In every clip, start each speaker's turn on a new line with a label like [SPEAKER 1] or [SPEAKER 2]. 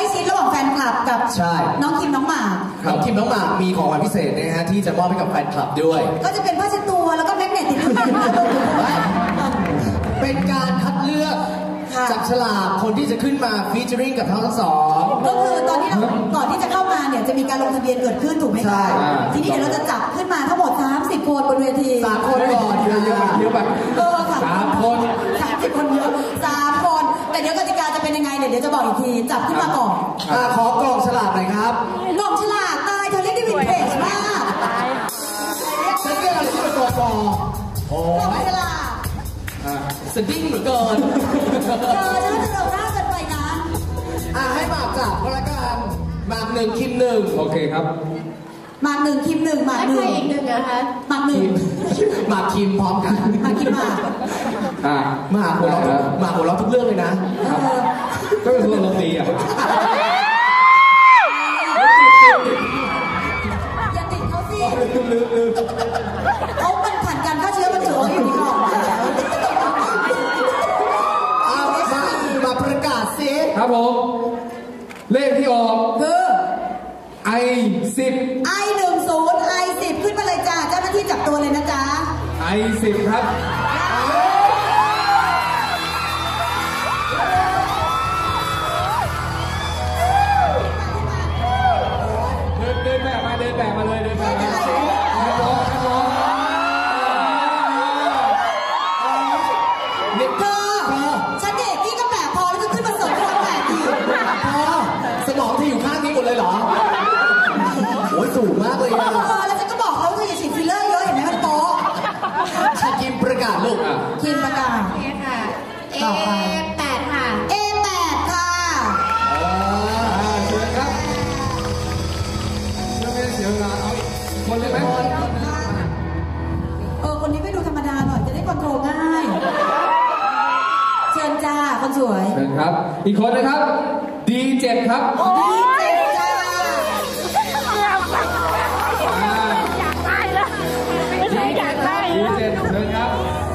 [SPEAKER 1] ชิดระหว่างแฟนคลับกับน้องคิมน้องหมาก
[SPEAKER 2] น้องคิมน้องหมากมีของขวัญพิเศษนะฮะที่จะมอบให้กับแฟนคลับด้วย
[SPEAKER 1] ก็จะเป็นผ้าเช็ดตัวแล้วก็แมกเนตติดตัว
[SPEAKER 2] เป็นการคัดเลือกจับฉลากคนที่จะขึ้นมาฟีเจอริ่งกับทั้งสอง
[SPEAKER 1] ก็คือตอนที่เราก่อนที่จะเข้ามาเนี่ยจะมีการลงทะเบียนเกิดขึ้นถูกไหมคะทีนี้เดี๋ยวเราจะจับขึ้นมาทั้งหมด30 คนบนเวที
[SPEAKER 2] 3 คนก่อนเยอะแบบ3 คน
[SPEAKER 1] 30 คนเยอะ3 คนแต่เดี๋ยวกติกาจะเป็นยังไงเนี่ยเดี๋ยวจะบอกอีกทีจับขึ้นมาก่อน
[SPEAKER 2] ขอกล่องฉลากหน่อยครับ
[SPEAKER 1] กล่องฉลากตายเธอเรียกได้วินเทจมาก
[SPEAKER 2] ฉันเรียกอะไรที่เป็นตัวกล่อง
[SPEAKER 1] ฉลาก
[SPEAKER 2] สดิ้งเหมือนเกิน
[SPEAKER 1] น่าจะเราหน้ากันไปนะ
[SPEAKER 2] ให้หมากจับก็แล้วกันหมาก1คิม1โอเคครับ
[SPEAKER 1] หมาก1คิม1หมาก1
[SPEAKER 3] อีก1นะคะ
[SPEAKER 1] หมาก1
[SPEAKER 2] หมากคิมพร้อมกัน
[SPEAKER 1] หมากคิมหมาก
[SPEAKER 2] หมากหัวเราะทุกเรื่องเลยนะ
[SPEAKER 4] ก็เป็นคนลงดีอ่ะ
[SPEAKER 1] อย่าติดเขาสิเขามันผ่านการฆ่าเชื้อบรรจุอยู่ในกล่อง
[SPEAKER 2] มาประกาศสิ
[SPEAKER 4] ครับผมเลขที่ออก
[SPEAKER 1] คือ
[SPEAKER 4] I10
[SPEAKER 1] I10 ขึ้นมาเลยจ้าเจ้าหน้าที่จับตัวเลยนะจ๊ะ
[SPEAKER 4] I10 ครับเดินแบบมาเลยเดินแบบ
[SPEAKER 1] ฉันเด็กพี่ก็แบบพอแล้วก็ขึ้นมาเสริมความแบบอีก
[SPEAKER 2] สมองที่อยู่ข้างนี้หมดเลยเหรอโอ้ยสูงมากเลย
[SPEAKER 1] อะแล้วฉันก็บอกเขาเธออย่าฉีดฟิลเลอร์เยอะเห็นไหมมันโป๊ะ
[SPEAKER 2] คิมประกาศลูก
[SPEAKER 1] คิมประกาศ
[SPEAKER 3] ค่ะ A8 ค่ะ
[SPEAKER 1] A8 ค่ะ
[SPEAKER 4] เชิญครับเสียเวลาเอาคนเลยไหม
[SPEAKER 1] คนนี้ไม่ดูธรรมดาหน่อยจะได้คอนโทรลง่ายเชิญจ้าคนสวย
[SPEAKER 4] เชิญครับอีกคนนะครับ D7 ครับ
[SPEAKER 1] D7 จ้า
[SPEAKER 3] อยากได้แล้วไม่ใช่อยากได้
[SPEAKER 4] D7 เชิญครับ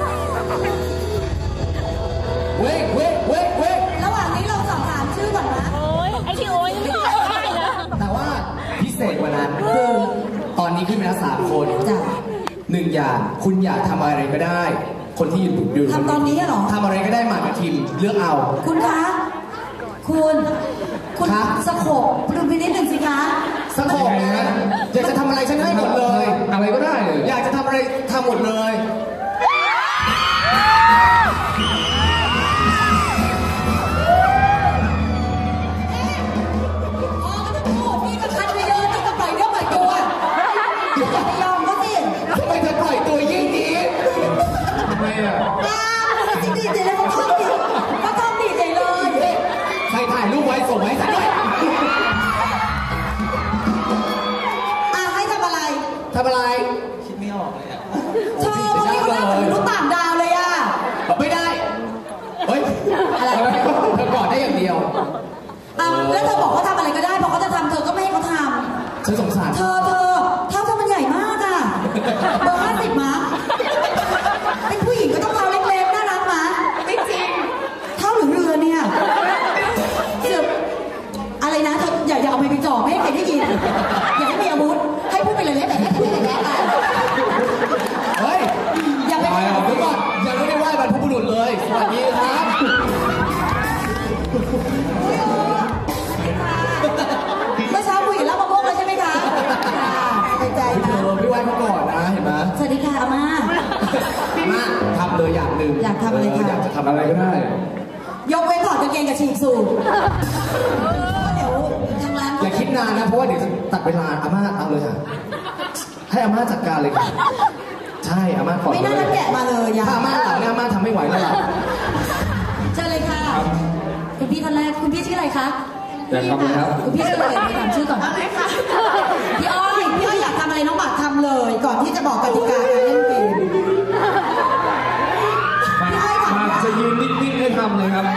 [SPEAKER 2] เว้ย
[SPEAKER 1] ระหว่างนี้เราสอบถามชื่อก่อนนะ
[SPEAKER 3] โอ้ยไอที่โอ้ยไม่ได้แล้ว
[SPEAKER 2] แต่ว่าพิเศษกว่านั้นคือตอนนี้ขึ้นมาแล้ว3 คน
[SPEAKER 1] จ้ะ
[SPEAKER 2] 1อย่างคุณอยากทำอะไรก็ได้คนที่อยู่
[SPEAKER 1] ทำตอนนี้เหรอ
[SPEAKER 2] ทำอะไรก็ได้หมากกับทีมเลือกเอา
[SPEAKER 1] คุณคะคุณสโคปดูไปนิดหนึ่งสิคะ
[SPEAKER 2] สโคปนะอยากจะทำอะไรฉันให้หมดเลย
[SPEAKER 4] อะไรก็ได้
[SPEAKER 2] อยากจะทำอะไรทำหมดเลย
[SPEAKER 1] นี่ก็คัดไปเยอะนี่ก็ปล่อยเนื้อปล่อยตัวอย่าไปยอมเขาสิ
[SPEAKER 2] ทำไมเธอปล่อยตัวยิ่งดี
[SPEAKER 4] ทำไมอ่ะ
[SPEAKER 1] จริงๆเลยเขาท่องดีใจเลย
[SPEAKER 2] ใครถ่ายรูปไว้ส่งไว้สักหน่อย
[SPEAKER 1] ให้ทำอะไร
[SPEAKER 2] คิดไม่ออกเลยอ่ะ
[SPEAKER 1] เธอวันนี้เขาหน้าเหมือนลูกต่างดาวเลยอ่ะ
[SPEAKER 2] ไม่ได้เฮ้ยอะไรเธอกอดได้อย่างเดียว
[SPEAKER 1] แล้วเธอบอกเขาทำอะไรก็ได้พอเขาจะทำเธอก็ไม่ให้เขาทำ
[SPEAKER 2] ฉันสงสาร
[SPEAKER 1] เธอเท้าเธอมันใหญ่มากอ่ะเบอร์50มั้งเป็นผู้หญิงก็ต้องเท้าเล็กๆน่ารักมั้งไม่จริงเท้าหรือเรือเนี่ยอะไรนะเธออย่าเอาไปจ่อไม่ให้ใครได้ยินอย่าให้มีอาวุธให้พูดไปเลยแต่
[SPEAKER 2] เฮ้ย
[SPEAKER 1] อย่าไป
[SPEAKER 2] เดี๋ยวก่อนยังไม่ได้ไหว้บรรพบุรุษเลยสวัสดีครับ
[SPEAKER 1] เมื่อเช้าคุยกับรับมะม่วงเลยใช่ไหมคะใจใจนะ
[SPEAKER 2] พี่ไหว้เขาก่อนนะเห็นไหม
[SPEAKER 1] สวัสดีค่ะอาม่า
[SPEAKER 2] ทำเลยอย่างหนึ่ง
[SPEAKER 1] อยากทำอะไรคะ
[SPEAKER 2] อยากจะทำอะไรก็ได้
[SPEAKER 1] ยกเว้นถอดกางเกงกับฉีกสูทเดี๋ยวทางร้าน
[SPEAKER 2] อย่าคิดนานนะเพราะว่าเดี๋ยวจะตัดเวลาอาม่าเอาเลยค่ะให้อาม่าจัดการเลยค่ะใช่อาม่าขอ
[SPEAKER 1] ไม่น่ารักแกะมาเลย
[SPEAKER 2] ถ้าอาม่าหลังอาม่าทำไม่ไหวแล้วล่ะ
[SPEAKER 1] เชิญเลยค่ะคุณพี่ท่านแรกคุณพี่ชื่ออะไรคะ
[SPEAKER 4] อยากทำอะไรครับ
[SPEAKER 1] คุณพี่ชื่ออะไรถามชื่อก่อนอะไรคะพี่อ้อยอยากทำอะไรน้องหมากทำเลยก่อนที่จะบอกกติกาการเล่นเกม
[SPEAKER 4] มาจะยืนนิ่งๆให้ทำเลยครับ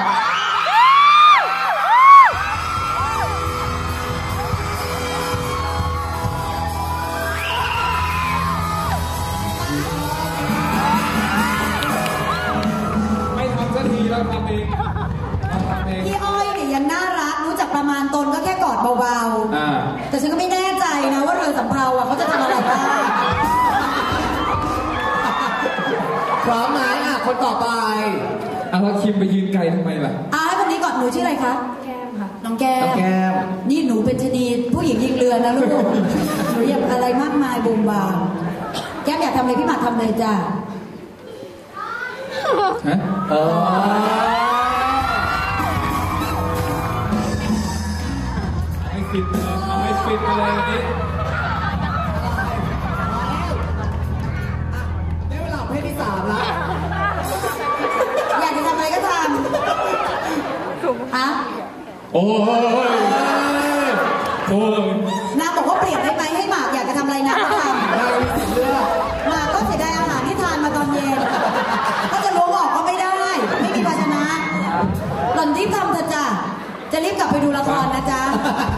[SPEAKER 4] ไม่ทำสักทีเราทำเอง
[SPEAKER 1] พี่อ้อยเนี่ยยังน่ารักรู้จักประมาณตน
[SPEAKER 2] อไป
[SPEAKER 4] แล้วคิมไปยืนไกลทำไมล่ะ
[SPEAKER 1] ให้คนนี้ก่อนหนูชื่ออะไรคะ
[SPEAKER 3] แก้มค่ะ
[SPEAKER 1] น้องแก้มนี่หนูเป็นชนีผู้หญิงยิงเรือนะลูกหนูอยากอะไรมากมายบูมบามแก้มอยากทำอะไรพี่หมากทำเลยจ้ะ
[SPEAKER 4] ฮะไม่ฟิตเลยไม่ฟิตเลยวันนี้
[SPEAKER 2] ได้เวลาเพศที่3แล้ว
[SPEAKER 1] อยากจะทำอะไรก็ทำฮะ
[SPEAKER 4] โอ้ย
[SPEAKER 1] นางบอกว่าเปลี่ยนได้ไหมให้หมากอยากจะทำอะไรนะก็ทำหมากก็เสียดายอาหารที่ทานมาตอนเย็นก็จะล้วงออกก็ไม่ได้ไม่มีภาชนะหล่อนรีบทำเถอะจ้ะจะรีบกลับไปดูละครนะจ๊ะ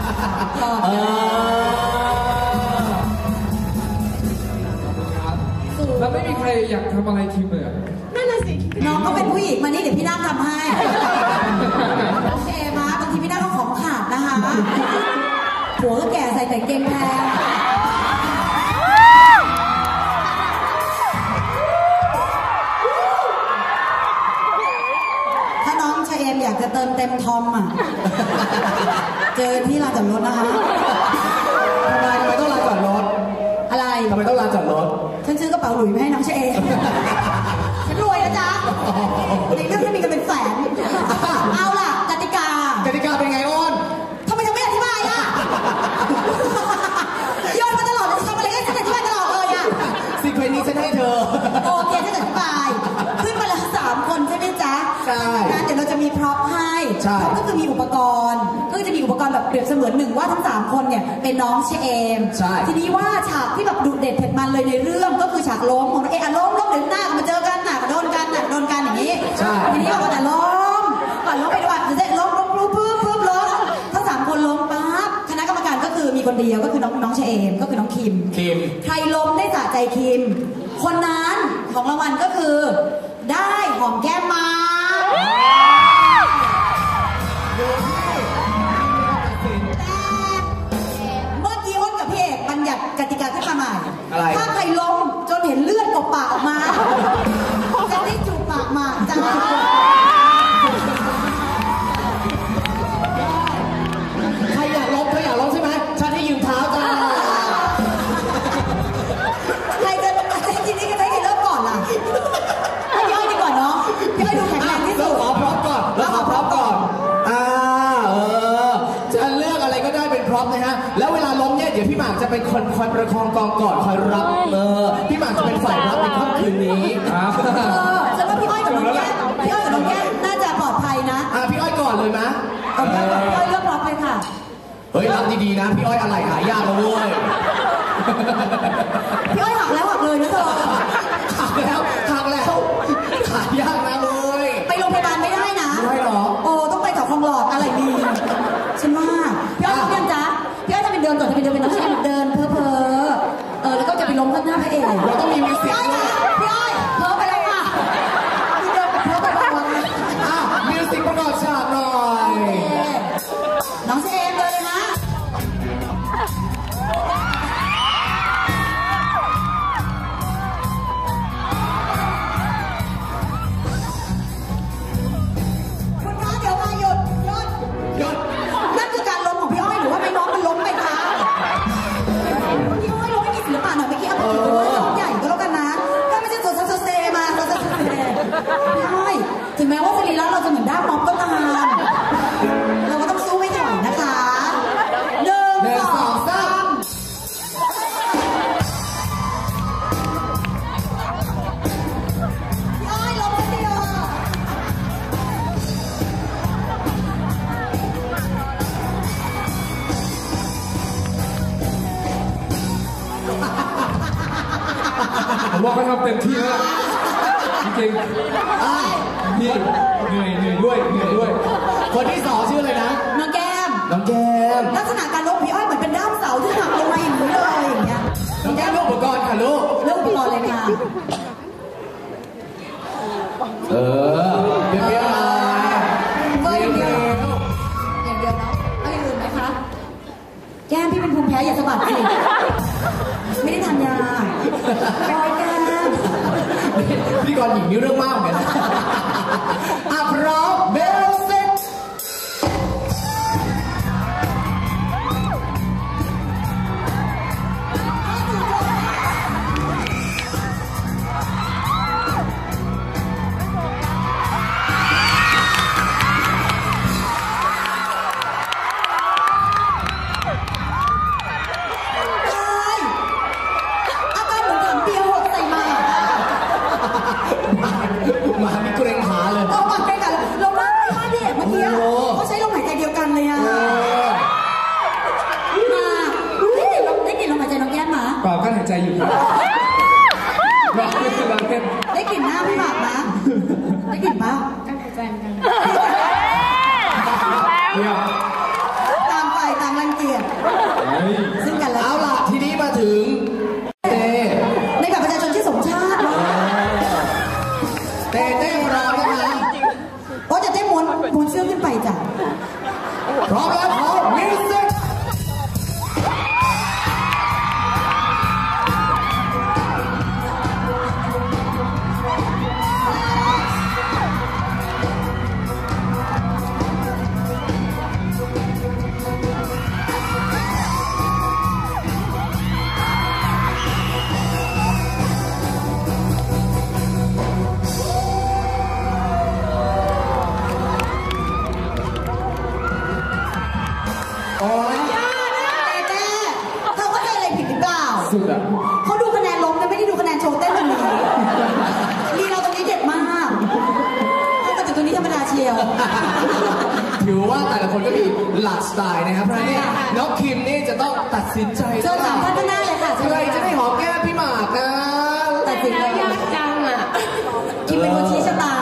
[SPEAKER 4] แล้วไม่มีใครอยากทำอะไรคิมเลย
[SPEAKER 1] นั่นน่ะสิน้องก็เป็นผู้หญิงมานี่เดี๋ยวพี่นั่งทำให้โอเคมาบางทีพี่นั่งก็ของขาดนะคะผัวก็แก่ใส่แต่เกงแพงถ้าน้องชายเอ็มอยากจะเติมเต็มทอมอ่ะเจอที่ลานจอดรถนะคะ
[SPEAKER 2] ทำไมต้องลานจอดรถ
[SPEAKER 1] อะไร
[SPEAKER 2] ทำไมต้องลานจอดรถ
[SPEAKER 1] ฉันซื้อกระเป๋าหลุยส์มาให้น้องชายเอ็มฉันรวยนะจ๊ะในเรื่องที่มีกันเป็นแสนเอาล่ะกติกา
[SPEAKER 2] เป็นไงอ้น
[SPEAKER 1] ทำไมยังไม่อธิบายอ่ะโยนมาตลอดทำอะไรก็ฉันอธิบายตลอดเลยอ่ะ
[SPEAKER 2] สิ่งเพลงนี้ฉันให้เธอ
[SPEAKER 1] โอเคฉันอธิบายขึ้นมาแล้ว3 คนใช่ไหมจ๊ะ
[SPEAKER 2] ใช่
[SPEAKER 1] งั้นเดี๋ยวเราจะมีพร็อพให้พร็อพก็คือมีอุปกรณ์ก็จะมีอุปกรณ์แบบเปรียบเสมือนหนึ่งว่าทั้ง3 คนเนี่ยเป็นน้องเชมทีนี้ว่าฉากที่แบบดุเด็ดเผ็ดมันเลยในเรื่องก็คือฉากล้มของล้มเดี๋ยวหน้ามาเจอกันโดนกันอย่างนี้ทีนี้เราจะล้มก่อนล้มไปด้วยจะล้มปุ๊บล้มทั้ง3 คนล้มปั๊บคณะกรรมการก็คือมีคนเดียวก็คือน้องเชมก็คือน้องคิมใครล้มได้สะใจคิมคนนั้นของรางวัลก็คือได้หอมแก้มมาเมื่อกี้อ้นกับพี่เอกบัญญัติกติกาขึ้นมาใหม่ถ้าใครล้มจนเห็นเลือดกบปากออกมาจะได้จูบปากมาจ้า
[SPEAKER 2] ใครอยากล้มใช่ไหมฉันให้ยืมเท้าจ้า
[SPEAKER 1] ใครจะจริงๆก็ได้เริ่มก่อนล่ะให้ย่อยดีกว่าเนาะพี่ไปดูแข็งแรงที่สุด
[SPEAKER 2] ขอพร้อมก่อนจะเลือกอะไรก็ได้เป็นพร้อมนะฮะแล้วเวลาล้มเนี่ยเดี๋ยวพี่หมากจะเป็นคนคอยประคองกองก่อนคอยรับพี่หมากจะเป็นฝ่ายรับในค่ำคืนนี้
[SPEAKER 1] ฉันว่าพี่อ้อยกับน้องแก้มน่าจะปลอดภัยนะ
[SPEAKER 2] พี่อ้อยก่อนเลยนะ
[SPEAKER 1] พี่อ้อยเลือกรับเลยค่ะ
[SPEAKER 2] เฮ้ยรับดีๆนะพี่อ้อยอะไรหายากนะเว้ย
[SPEAKER 1] พี่อ้อยหักแล้วหักเลยนะเธอ
[SPEAKER 2] หักแล้วหายากนะเว้ย
[SPEAKER 1] ไปโรงพยาบาลไม่ได้นะ
[SPEAKER 2] ไม่หรอ
[SPEAKER 1] โอ้ต้องไปกับคลองหลอดอะไรดีฉันว่าพี่อ้อยเดินจ้ะพี่อ้อยจะเป็นเดินก่อนจะเป็นน้องชายเดินเพ้อแล้วก็จะไปล้มข้างหน้าพระเอก
[SPEAKER 2] เราต้องมีมิวสิกด้วย
[SPEAKER 1] พี่อ้อยเพ้อไปแล้วค่ะพี่เดินเพ้อไปแล้ว
[SPEAKER 2] มิวสิกประกอบฉากหน่อย
[SPEAKER 1] น้องเชมเลยนะคุณคะเดี๋ยวมาหยุดนั่นคือการล้มของพี่อ้อยหรือว่าไม่น้องมันล้มไปคะพี่อ้อยล้มไม่มีศิลปะหน่อยไม่คิดเอาไปถือว่าล้มใหญ่ก็แล้วกันนะถ้าไม่ใช่โซเซมาพี่อ้อยถึงแม้ว่าสรีระเราจะเหมือนด้ามม็อบก็ตามเราก็ต้องสู้ให้ถอยนะคะ1 2 3พี่อ้อยล้มไปเดียว
[SPEAKER 4] ผมว่าเขาทำเต็มที่แล้วจริงๆนี่เหนื่อยด้วย
[SPEAKER 2] คนที่2ชื่ออะไรนะ
[SPEAKER 1] น้องแก้มลักษณะการล้มพี่อ้อยเหมือนเป็นด้ามเสาที่หักลงมาอย่างนี้เลยอย่างเงี้ย
[SPEAKER 2] น้องแก้มเลือกอุปกรณ์ค่ะลูก
[SPEAKER 1] เลือกอุปกรณ์เลยค่ะ
[SPEAKER 2] เดี๋ยว
[SPEAKER 1] อย่างเดียวเนาะเอาอย่างอื่นไหมคะแก้มพี่เป็นภูมิแพ้อย่าสะบัดสิไม่ได้ทานยาแก้ม
[SPEAKER 2] พิธีกรหญิงนี่เรื่องมากเหมือนกันอ่ะพร้อมเบลเซ็ตมามีเกรงขาเลย
[SPEAKER 1] เอามาใกล้กันเรานั่งไม่พลาดดิเมื่อกี้เขาใช้ลมหายใจเดียวกันเลยอ่ะมาได้กลิ่นลมหายใจน้องแก้มมา
[SPEAKER 4] เปล่ากั้นหายใจอยู่ครับรอเล่นรอเล่น
[SPEAKER 1] ได้กลิ่นหน้าพี่หมากนะได้กลิ่นปะ
[SPEAKER 4] เนี่ย
[SPEAKER 1] ต่างฝ่ายต่างรังเกียจซึ่งกันและ
[SPEAKER 2] เอาล่ะทีนี้มาถึงเต้
[SPEAKER 1] ในแบบประชาชนที่สมชาติ
[SPEAKER 2] เต้ของเรานะคะ
[SPEAKER 1] โอ้จะได้ม้วนเสื้อขึ้นไปจ้ะ
[SPEAKER 2] พร้อมแล้วขอมิวสิกโอ้ย
[SPEAKER 1] แม่เธอเข้าใจอะไรผิดหรือเปล่า
[SPEAKER 4] สุดอ่ะ
[SPEAKER 1] เขาดูคะแนนล้มนะไม่ได้ดูคะแนนโชว์เต้นกันเลยลีเราตรงนี้เด็ดมากแต่ตัวนี้ธรรมดาเชียว
[SPEAKER 2] ถือว่าแต่ละคนก็มีหลากสไตล์นะครับเพราะฉะนั้นเนี่ยน้องคิมนี่จะต้องตัดสินใจ
[SPEAKER 1] เชิญสามท่านข้างหน้าเลยค่ะ
[SPEAKER 2] ใครจะได้หอมแก้มพี่หมากนะ
[SPEAKER 1] ตัดสินเลย
[SPEAKER 3] ยากจังอ่ะ
[SPEAKER 1] คิมเป็นคนชี้ชะตา